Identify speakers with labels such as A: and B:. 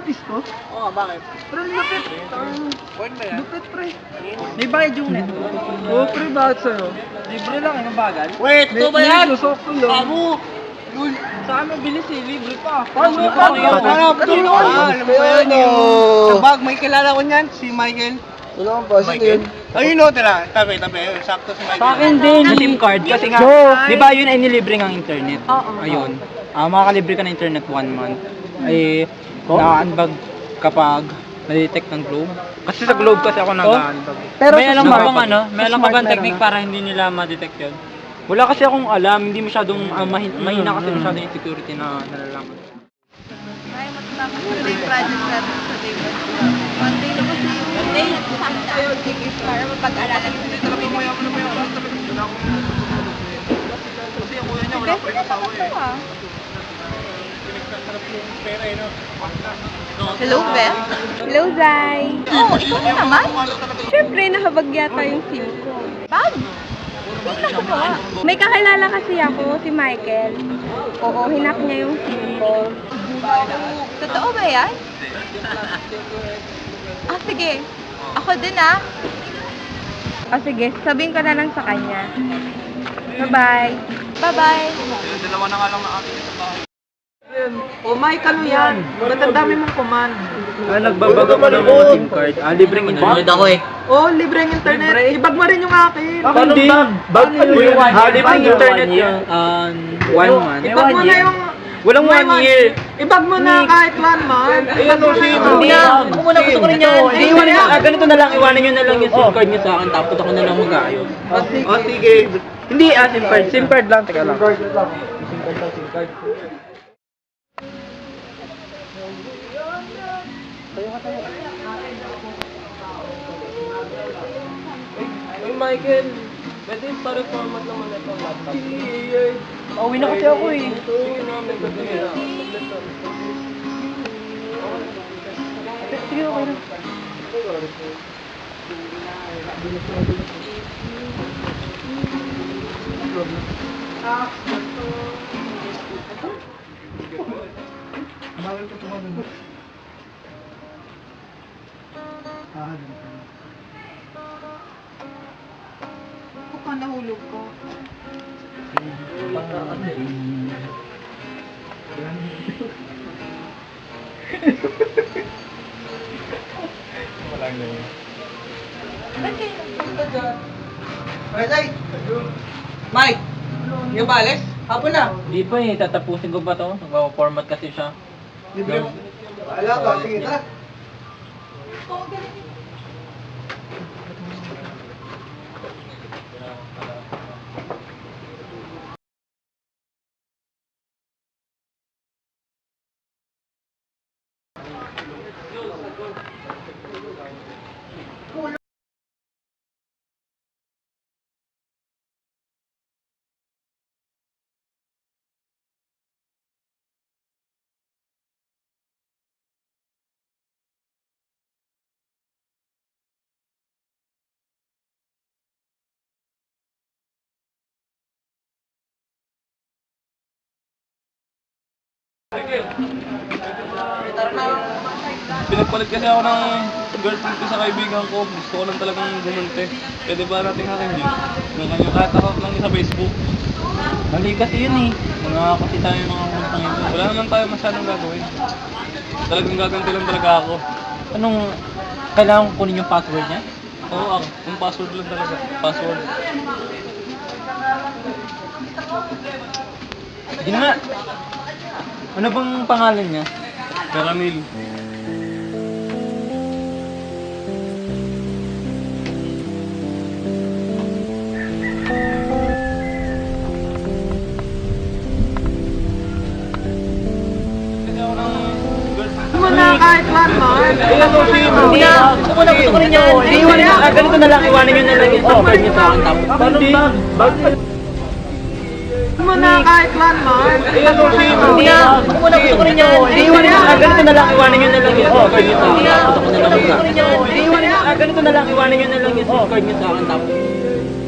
A: artist ko?
B: Oo, bakit?
A: Pero lupit.
B: Word ba yan?
A: Lupit, pre.
B: May bayad yung net.
A: Oo, pre, bakit sa'yo?
B: Libre lang, ang bagal. Wait, ito ba
A: May
B: yan?
A: lusok ko lang.
B: Amo! Yun. Sa amin, bilis eh, libre pa.
A: Paano?
B: Alam mo ba yan yung... Bag, may kilala ko niyan, si Michael.
A: Wala kang pasin yun.
B: Ayun o, tira. Tabi. Sakto si Michael.
C: Sa akin din, yung SIM card. Kasi nga, di ba yun ay nilibre ng internet?
D: Oo.
C: Ayun. Makakalibre ka ng internet 1 month. Ay, na-unbag kapag na-detect ng Globe. Kasi sa Globe kasi ako nag-unbag.
A: Pero
C: May
A: sa
C: alam
A: smart-
C: ka bang ano? May
A: sa
C: alam ka
A: smart
C: bang
A: meron
C: technique
A: na?
C: para hindi nila ma-detect yun? Wala kasi akong alam. Hindi masyadong, mahina kasi masyadong yung security na nalalaman.
D: Ay, matapos ko na yung project natin sa David. Monday na kasi yung day na kasama tayo. Sige, para mapag-alala ko dito.
B: Kasi yung kuya niya, wala pa rin asawa eh. Pinagkasarap yung pera eh, no?
D: Hello, Beth. Hello, Zay. Oh, ikaw na naman? Siyempre, nahabag yata yung SIM ko. Bag? Tingnan ko ba? May kakilala kasi ako, si Michael. Oo, hinak niya yung SIM ko. Totoo ba yan? Ah, sige. Ako din ah. Ah, sige. Sabihin ko na lang sa kanya. Bye-bye. Bye-bye.
B: Dalawa na nga lang na akin sa bahay.
A: Oh, Mike, ano yan? Ba't ang dami mong command?
C: Nagbabaga ko ng mga SIM card. Libreng internet.
B: ako eh.
A: Oh, libreng internet. Ibag mo rin yung akin.
C: Hindi. Bag libreng internet yun. 1 month.
A: Ibag mo na yung...
C: Walang 1 year.
A: Ibag mo na kahit 1 month. Ibag mo na.
C: Hindi ako muna gusto ko rin yan. Iiwanin mo. Ganito na lang. Iwanan nyo na lang yung SIM card nyo sa akin. Tapos ako na lang mag-ayos.
B: Oh, sige.
C: Hindi SIM card. SIM card lang. Teka lang.
A: Hey, Michael. Pwede para format naman ito ang laptop.
C: Pauwi na kasi ako eh.
A: Sige na, may gagawin na.
C: Sige, okay na.
A: Bawal ko tumawin mo.
D: Baka nahulog ko. Ba't kayo?
B: Mike! Yung balis? Hapon na.
C: Hindi pa eh. Tatapusin ko pa to. Nagpa-format kasi siya.
B: Libre mo. Wala ka. Sige, tara.
E: Pinagpalit kasi ako ng girlfriend ko sa kaibigan ko. Gusto ko lang talagang gumunti. Pwede ba natin hakin yun? Ganyan kahit ako lang sa Facebook.
C: Mali kasi yun eh. Mga kasi tayo mga kuntang ito.
E: Wala naman tayo masyadong gagawin. Talagang gaganti lang talaga ako.
C: Anong, kailangan ko kunin yung password niya?
E: Oo, ako. Yung password lang talaga. Password.
C: Hindi na nga. Ano bang pangalan niya?
E: Caramel.
A: Mo na kahit 1 month.
C: Hindi na. Gusto ko rin yan. Iiwanin mo. Ganito na lang. Iwanan nyo na lang yung SIM card nyo sa akin. Tapos
A: Mo na kahit 1 month.
C: hindi na. Gusto ko rin yan. Iiwanin mo. Ganito na lang. Iwanan nyo na lang yung SIM card nyo sa akin. Tapos ako na lang mag-ayos. Ganito na lang. Iwanan nyo na lang yung SIM card nyo sa akin. Tapos